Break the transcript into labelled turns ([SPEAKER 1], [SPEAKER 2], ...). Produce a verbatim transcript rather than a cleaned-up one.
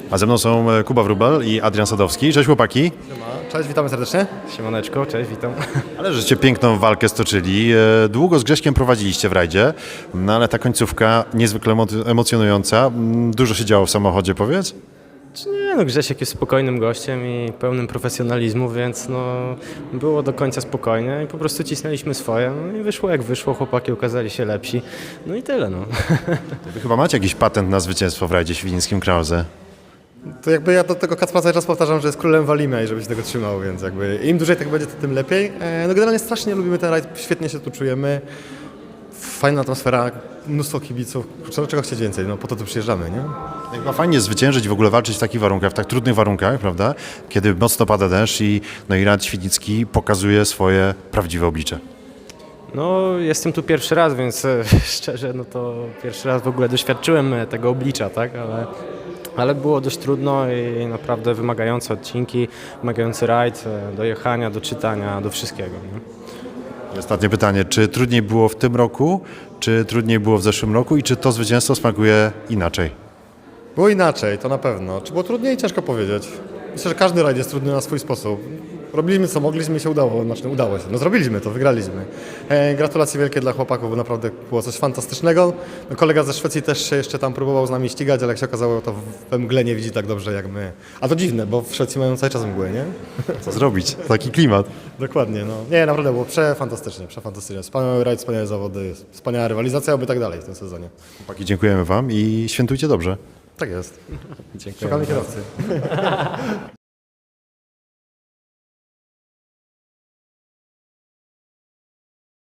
[SPEAKER 1] A ze mną są e, Kuba Wróbel i Adrian Sadowski. Cześć chłopaki.
[SPEAKER 2] Cześć, witamy serdecznie.
[SPEAKER 3] Siemaneczko, cześć, witam.
[SPEAKER 1] Ale żeście piękną walkę stoczyli. E, Długo z Grześkiem prowadziliście w rajdzie, no ale ta końcówka niezwykle emo- emocjonująca. Mm, Dużo się działo w samochodzie, powiedz?
[SPEAKER 3] Czy nie, no Grzesiek jest spokojnym gościem i pełnym profesjonalizmu, więc no było do końca spokojnie i po prostu cisnęliśmy swoje. No i wyszło jak wyszło, chłopaki okazali się lepsi. No i tyle, no.
[SPEAKER 1] Wy chyba macie jakiś patent na zwycięstwo w rajdzie świdnickim Krause.
[SPEAKER 2] To jakby ja do tego Kacpra cały czas powtarzam, że jest królem Walimy i żeby się tego trzymał, więc jakby im dłużej tak będzie, to tym lepiej. E, No generalnie strasznie lubimy ten rajd, świetnie się tu czujemy. Fajna atmosfera, mnóstwo kibiców. Czego, czego chcieć więcej? No po to tu przyjeżdżamy, nie?
[SPEAKER 1] Chyba fajnie zwyciężyć i w ogóle walczyć w takich warunkach, w tak trudnych warunkach, prawda? Kiedy mocno pada deszcz i, no i rajd świdnicki pokazuje swoje prawdziwe oblicze.
[SPEAKER 3] No jestem tu pierwszy raz, więc e, szczerze, no to pierwszy raz w ogóle doświadczyłem e, tego oblicza, tak, ale... Ale było dość trudno i naprawdę wymagające odcinki, wymagający rajd, e, do jechania, do czytania, do wszystkiego. Nie?
[SPEAKER 1] I ostatnie pytanie, czy trudniej było w tym roku, czy trudniej było w zeszłym roku i czy to zwycięstwo smakuje inaczej?
[SPEAKER 2] Było inaczej, to na pewno. Czy było trudniej? Ciężko powiedzieć. Myślę, że każdy rajd jest trudny na swój sposób. Robiliśmy co mogliśmy i się udało, znaczy udało się. No zrobiliśmy to, wygraliśmy. E, gratulacje wielkie dla chłopaków, bo naprawdę było coś fantastycznego. No, kolega ze Szwecji też się jeszcze tam próbował z nami ścigać, ale jak się okazało, to we mgle nie widzi tak dobrze jak my. A to dziwne, bo w Szwecji mają cały czas mgłę, nie?
[SPEAKER 1] Co zrobić? Taki klimat.
[SPEAKER 2] Dokładnie, no. Nie, naprawdę było przefantastycznie, przefantastycznie. Wspaniały rajd, wspaniałe zawody, wspaniała rywalizacja, oby tak dalej w tym sezonie.
[SPEAKER 1] Chłopaki, dziękujemy wam i świętujcie dobrze.
[SPEAKER 2] Tak jest.
[SPEAKER 3] Dziękuję.
[SPEAKER 2] Szukamy kierowcy.